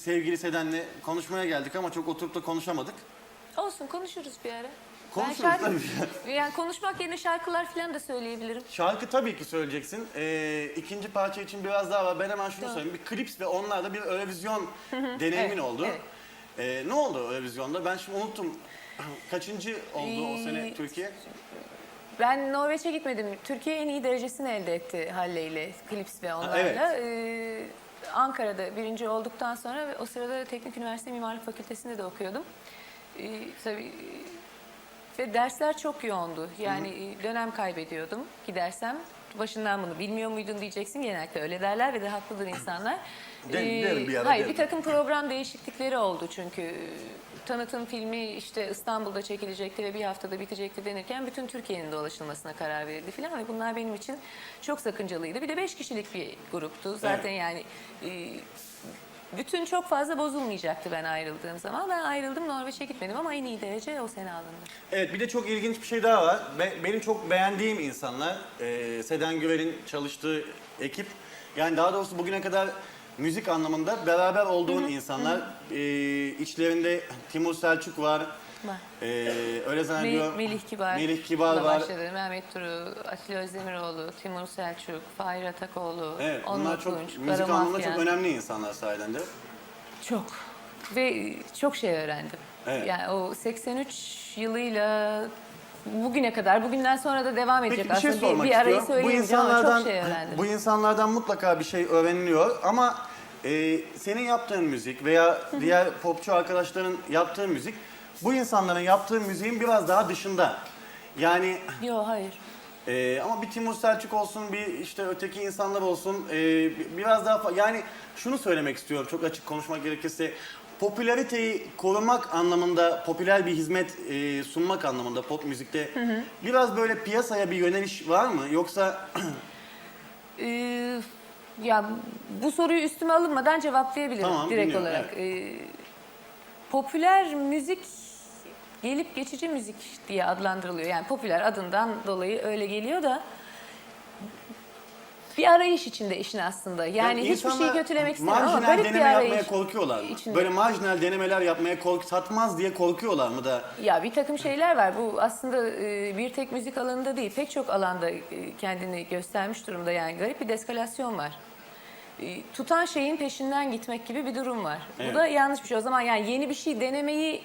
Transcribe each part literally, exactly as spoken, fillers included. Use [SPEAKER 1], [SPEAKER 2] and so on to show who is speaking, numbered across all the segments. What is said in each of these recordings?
[SPEAKER 1] sevgili Seden'le konuşmaya geldik ama çok oturup da konuşamadık.
[SPEAKER 2] Olsun, konuşuruz bir ara.
[SPEAKER 1] Konuşuruz
[SPEAKER 2] Ben şarkı,
[SPEAKER 1] tabii.
[SPEAKER 2] yani konuşmak yerine şarkılar falan da söyleyebilirim.
[SPEAKER 1] Şarkı tabii ki söyleyeceksin. Ee, ikinci parça için biraz daha var. Ben hemen şunu
[SPEAKER 2] Doğru.
[SPEAKER 1] söyleyeyim. Bir klips ve onlarla bir Eurovision deneyimin
[SPEAKER 2] Evet,
[SPEAKER 1] oldu.
[SPEAKER 2] evet.
[SPEAKER 1] Ee, ne oldu Eurovision'da? Ben şimdi unuttum. Kaçıncı oldu o sene
[SPEAKER 2] Ee,
[SPEAKER 1] Türkiye?
[SPEAKER 2] Ben Norveç'e gitmedim. Türkiye en iyi derecesini elde etti Halle ile, Klips ve onlarla.
[SPEAKER 1] evet.
[SPEAKER 2] Ee, Ankara'da birinci olduktan sonra ve o sırada Teknik Üniversite Mimarlık Fakültesi'nde de okuyordum. Ee, tabii, ve dersler çok yoğundu. Yani Hı. dönem kaybediyordum gidersem. Başından bunu bilmiyor muydun diyeceksin. Genellikle öyle derler ve de haklıdır insanlar.
[SPEAKER 1] De, derim bir ara,
[SPEAKER 2] hayır,
[SPEAKER 1] derim.
[SPEAKER 2] bir takım program değişiklikleri oldu çünkü. Tanıtım filmi işte İstanbul'da çekilecekti ve bir haftada bitecekti denirken bütün Türkiye'nin dolaşılmasına karar verildi filan ve bunlar benim için çok sakıncalıydı. Bir de beş kişilik bir gruptu. Zaten
[SPEAKER 1] Evet.
[SPEAKER 2] yani e, bütün çok fazla bozulmayacaktı ben ayrıldığım zaman. Ben ayrıldım, Norveç'e gitmedim ama en iyi derece o sene alındı.
[SPEAKER 1] Evet, bir de çok ilginç bir şey daha var. Be- benim çok beğendiğim insanlar, e, Seden Güven'in çalıştığı ekip. Yani daha doğrusu bugüne kadar müzik anlamında beraber olduğun hı hı, insanlar. Hı. E, içlerinde Timur Selçuk var.
[SPEAKER 2] Var.
[SPEAKER 1] E, öyle zannediyorum.
[SPEAKER 2] Melih, Melih Kibar.
[SPEAKER 1] Melih Kibar var.
[SPEAKER 2] Başladı. Mehmet Duru, Atilla Özdemiroğlu, Timur Selçuk, Fahir Atakoğlu,
[SPEAKER 1] Evet,
[SPEAKER 2] Onur
[SPEAKER 1] bunlar çok
[SPEAKER 2] Tunç,
[SPEAKER 1] müzik
[SPEAKER 2] Kara
[SPEAKER 1] anlamında
[SPEAKER 2] Mafya.
[SPEAKER 1] çok önemli insanlar sayeden de.
[SPEAKER 2] Çok. Ve çok şey öğrendim.
[SPEAKER 1] Evet.
[SPEAKER 2] Yani o seksen üç yılıyla bugüne kadar, bugünden sonra da devam edecek
[SPEAKER 1] Peki bir şey
[SPEAKER 2] aslında.
[SPEAKER 1] sormak
[SPEAKER 2] bir, bir arayı
[SPEAKER 1] istiyorum. Bu
[SPEAKER 2] söyleyemeyeceğim ama
[SPEAKER 1] insanlardan,
[SPEAKER 2] çok şey öğrendim.
[SPEAKER 1] bu insanlardan mutlaka bir şey öğreniliyor ama e, senin yaptığın müzik veya diğer popçu arkadaşların yaptığı müzik bu insanların yaptığı müziğin biraz daha dışında. Yani
[SPEAKER 2] Yok, hayır.
[SPEAKER 1] e, ama bir Timur Selçuk olsun, bir işte öteki insanlar olsun, e, biraz daha fa- yani şunu söylemek istiyorum çok açık konuşmak gerekirse. Popülariteyi korumak anlamında, popüler bir hizmet e, sunmak anlamında pop müzikte hı hı, biraz böyle piyasaya bir yöneliş var mı? Yoksa
[SPEAKER 2] Ee, ya bu soruyu üstüme alınmadan cevaplayabilirim
[SPEAKER 1] Tamam,
[SPEAKER 2] direkt
[SPEAKER 1] dinliyorum,
[SPEAKER 2] olarak.
[SPEAKER 1] evet.
[SPEAKER 2] Ee, popüler müzik gelip geçici müzik diye adlandırılıyor. Yani popüler adından dolayı öyle geliyor da bir arayış içinde işin aslında. Yani,
[SPEAKER 1] Yani
[SPEAKER 2] hiçbir
[SPEAKER 1] insanlar
[SPEAKER 2] şeyi kötülemek istemiyorum ama
[SPEAKER 1] marjinal
[SPEAKER 2] garip bir
[SPEAKER 1] deneme
[SPEAKER 2] arayış
[SPEAKER 1] yapmaya korkuyorlar mı?
[SPEAKER 2] içinde.
[SPEAKER 1] Böyle marjinal denemeler yapmaya kork satmaz diye korkuyorlar mı da?
[SPEAKER 2] Ya bir takım şeyler var. Bu aslında e, bir tek müzik alanında değil, pek çok alanda e, kendini göstermiş durumda. Yani garip bir deskalasyon var. E, tutan şeyin peşinden gitmek gibi bir durum var.
[SPEAKER 1] Evet.
[SPEAKER 2] Bu da yanlış bir şey. O zaman yani yeni bir şey denemeyi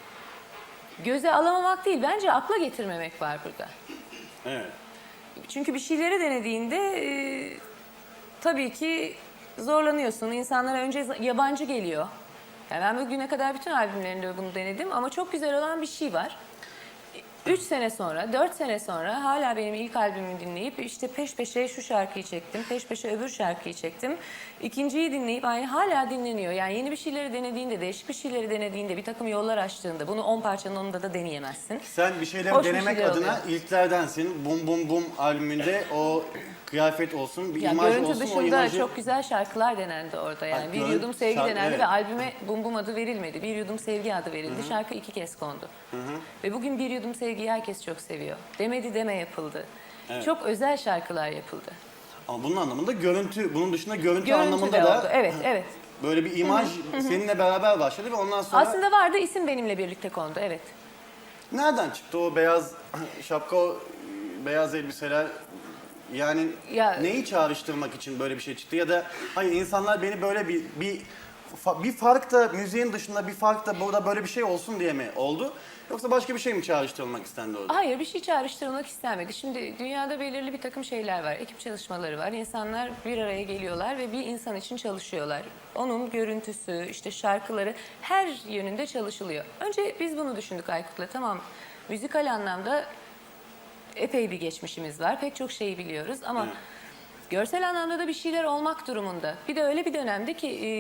[SPEAKER 2] göze alamamak değil, bence akla getirmemek var burada.
[SPEAKER 1] Evet.
[SPEAKER 2] Çünkü bir şeyleri denediğinde e, tabii ki zorlanıyorsun. İnsanlara önce yabancı geliyor. Yani ben bugüne kadar bütün albümlerinde bunu denedim ama çok güzel olan bir şey var. Üç sene sonra, dört sene sonra hala benim ilk albümümü dinleyip işte peş peşe şu şarkıyı çektim, peş peşe öbür şarkıyı çektim. İkinciyi dinleyip aynı hala dinleniyor. Yani yeni bir şeyleri denediğinde, değişik bir şeyleri denediğinde, bir takım yollar açtığında bunu on parçanın onunda da deneyemezsin.
[SPEAKER 1] Sen bir şeyleri
[SPEAKER 2] Hoş bir
[SPEAKER 1] denemek
[SPEAKER 2] şeyler
[SPEAKER 1] adına
[SPEAKER 2] oluyor.
[SPEAKER 1] ilklerdensin. Bum Bum Bum albümünde o kıyafet olsun, bir
[SPEAKER 2] Ya
[SPEAKER 1] imaj
[SPEAKER 2] görüntü
[SPEAKER 1] olsun, o
[SPEAKER 2] dışında
[SPEAKER 1] imajı...
[SPEAKER 2] çok güzel şarkılar denendi orada yani.
[SPEAKER 1] Ha,
[SPEAKER 2] Bir
[SPEAKER 1] görün-
[SPEAKER 2] Yudum Sevgi
[SPEAKER 1] şarkı-
[SPEAKER 2] denendi
[SPEAKER 1] evet.
[SPEAKER 2] ve albüme Bum Bum adı verilmedi. Bir Yudum Sevgi adı verildi. Hı-hı. Şarkı iki kez kondu. Hı-hı. Ve bugün Bir Yudum Sevgi'yi herkes çok seviyor. Demedi deme yapıldı.
[SPEAKER 1] Evet.
[SPEAKER 2] Çok özel şarkılar yapıldı.
[SPEAKER 1] Ama bunun anlamında görüntü, bunun dışında görüntü,
[SPEAKER 2] Görüntü
[SPEAKER 1] anlamında
[SPEAKER 2] de
[SPEAKER 1] da
[SPEAKER 2] oldu. Evet, evet.
[SPEAKER 1] böyle bir imaj seninle beraber başladı ve ondan sonra...
[SPEAKER 2] Aslında vardı, isim benimle birlikte kondu. Evet.
[SPEAKER 1] Nereden çıktı o beyaz şapka, o beyaz elbiseler? Yani
[SPEAKER 2] Ya-
[SPEAKER 1] neyi çağrıştırmak için böyle bir şey çıktı ya da hayır insanlar beni böyle bir bir fa- bir fark da müziğin dışında bir fark da burada böyle bir şey olsun diye mi oldu? Yoksa başka bir şey mi çağrıştırılmak istendi orada?
[SPEAKER 2] Hayır, bir şey çağrıştırılmak istenmedi. Şimdi dünyada belirli bir takım şeyler var. Ekip çalışmaları var. İnsanlar bir araya geliyorlar ve bir insan için çalışıyorlar. Onun görüntüsü, işte şarkıları her yönünde çalışılıyor. Önce biz bunu düşündük Aykut'la. Tamam, müzikal anlamda epey bir geçmişimiz var. Pek çok şeyi biliyoruz ama
[SPEAKER 1] Evet.
[SPEAKER 2] görsel anlamda da bir şeyler olmak durumunda. Bir de öyle bir dönemde ki e,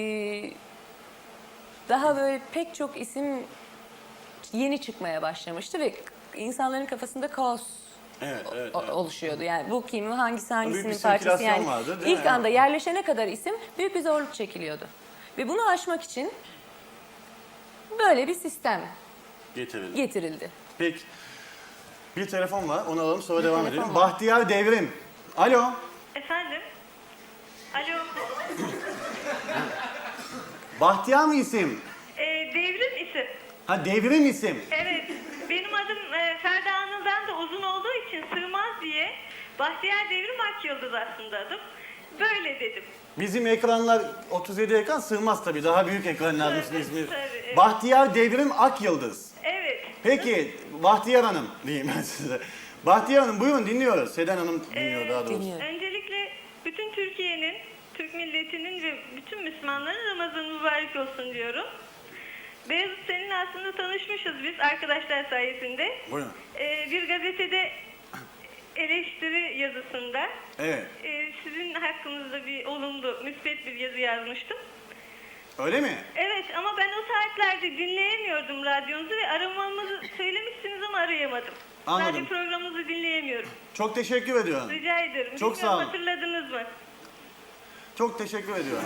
[SPEAKER 2] daha böyle pek çok isim yeni çıkmaya başlamıştı ve insanların kafasında kaos
[SPEAKER 1] Evet, evet,
[SPEAKER 2] o-
[SPEAKER 1] evet.
[SPEAKER 2] oluşuyordu. Yani bu kim, hangisi hangisinin
[SPEAKER 1] Büyük bir
[SPEAKER 2] parçası
[SPEAKER 1] sirkülasyon
[SPEAKER 2] yani.
[SPEAKER 1] vardı, değil
[SPEAKER 2] İlk
[SPEAKER 1] mi?
[SPEAKER 2] anda yerleşene kadar isim büyük bir zorluk çekiliyordu. Ve bunu aşmak için böyle bir sistem
[SPEAKER 1] Getirildi.
[SPEAKER 2] getirildi.
[SPEAKER 1] Peki. Bir telefon var, onu alalım sonra
[SPEAKER 2] Bir
[SPEAKER 1] devam
[SPEAKER 2] telefon
[SPEAKER 1] edelim.
[SPEAKER 2] var.
[SPEAKER 1] Bahtiyar Devrim. Alo.
[SPEAKER 3] Efendim? Alo.
[SPEAKER 1] Bahtiyar mı isim?
[SPEAKER 3] E, devrim isim.
[SPEAKER 1] Ha devrim isim.
[SPEAKER 3] Evet. Benim adım e, Ferda Anıl'dan da uzun olduğu için sığmaz diye Bahtiyar Devrim Akyıldız aslında adım. Böyle dedim.
[SPEAKER 1] Bizim ekranlar otuz yedi ekran sığmaz tabii. Daha büyük ekranlar
[SPEAKER 3] Tabii,
[SPEAKER 1] ismi.
[SPEAKER 3] tabii, evet.
[SPEAKER 1] Bahtiyar Devrim Akyıldız.
[SPEAKER 3] Evet.
[SPEAKER 1] Peki Bahtiyar Hanım diyeyim ben size. Bahtiyar Hanım buyurun dinliyoruz. Seden Hanım dinliyor
[SPEAKER 3] Ee,
[SPEAKER 1] daha doğrusu.
[SPEAKER 2] Dinliyorum.
[SPEAKER 3] Öncelikle bütün Türkiye'nin, Türk milletinin ve bütün Müslümanların Ramazanı mübarek olsun diyorum. Beyazıt seninle aslında tanışmışız biz arkadaşlar sayesinde.
[SPEAKER 1] Buyurun.
[SPEAKER 3] Ee, bir gazetede eleştiri yazısında
[SPEAKER 1] Evet.
[SPEAKER 3] e, sizin hakkınızda bir olumlu, müspet bir yazı yazmıştım.
[SPEAKER 1] Öyle mi?
[SPEAKER 3] Evet ama ben o saatlerde dinleyemiyordum radyonuzu ve aramamızı söylemişsiniz ama arayamadım.
[SPEAKER 1] Anladım.
[SPEAKER 3] Radyo programınızı dinleyemiyorum.
[SPEAKER 1] Çok teşekkür ediyorum.
[SPEAKER 3] Rica ederim.
[SPEAKER 1] Çok
[SPEAKER 3] Bilmiyorum,
[SPEAKER 1] sağ olun.
[SPEAKER 3] hatırladınız mı?
[SPEAKER 1] Çok teşekkür ediyorum.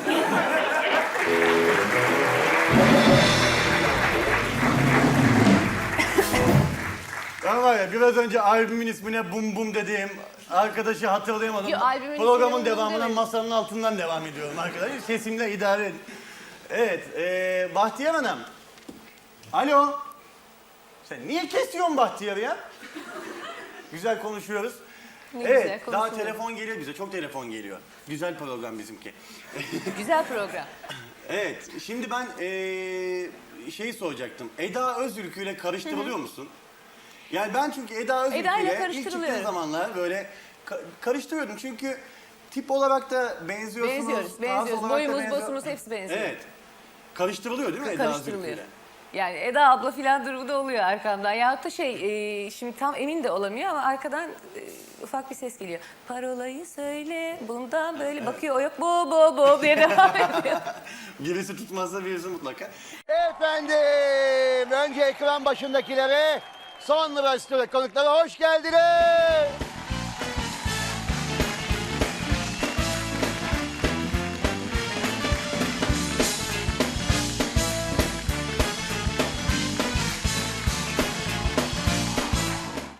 [SPEAKER 1] Ben var ya biraz önce albümün ismine bum bum dediğim arkadaşı hatırlayamadım.
[SPEAKER 2] Yo, albümün ismine
[SPEAKER 1] Programın
[SPEAKER 2] bum bum
[SPEAKER 1] devamına
[SPEAKER 2] demedim.
[SPEAKER 1] masanın altından devam ediyorum arkadaşlar. Sesimle idare edin. Evet, e, Bahtiyar Hanım. Alo. Sen niye kesiyorsun Bahtiyar'ı ya? Güzel konuşuyoruz.
[SPEAKER 2] Ne
[SPEAKER 1] evet,
[SPEAKER 2] güzel
[SPEAKER 1] daha
[SPEAKER 2] konuşuyoruz.
[SPEAKER 1] telefon geliyor bize. Çok telefon geliyor. Güzel program bizimki.
[SPEAKER 2] Güzel program.
[SPEAKER 1] Evet, şimdi ben eee şeyi soracaktım. Eda Özülkü ile karıştırılıyor musun? Yani ben çünkü Eda Özülkü
[SPEAKER 2] Eda ile
[SPEAKER 1] ile ilk
[SPEAKER 2] karıştırılıyorum.
[SPEAKER 1] çıktığı zamanlar böyle ka- karıştırıyordum. Çünkü tip olarak da benziyorsunuz.
[SPEAKER 2] Benziyoruz,
[SPEAKER 1] tarz
[SPEAKER 2] benziyoruz.
[SPEAKER 1] olarak da
[SPEAKER 2] Boyumuz,
[SPEAKER 1] benziyor-
[SPEAKER 2] bosumuz hepsi benziyor.
[SPEAKER 1] Evet. Karıştırılıyor değil mi Eda Özülkü
[SPEAKER 2] Karıştırılıyor.
[SPEAKER 1] ile?
[SPEAKER 2] Yani Eda abla filan durumu da oluyor arkamdan. Ya da şey, e, şimdi tam emin de olamıyor ama arkadan e, ufak bir ses geliyor. Parolayı söyle, bundan böyle bakıyor, o yok, bo bo bo diye devam ediyor.
[SPEAKER 1] Birisi tutmazsa birisi mutlaka.
[SPEAKER 4] Efendim, önce ekran başındakilere, sonra stüdyo konuklara hoş geldiniz.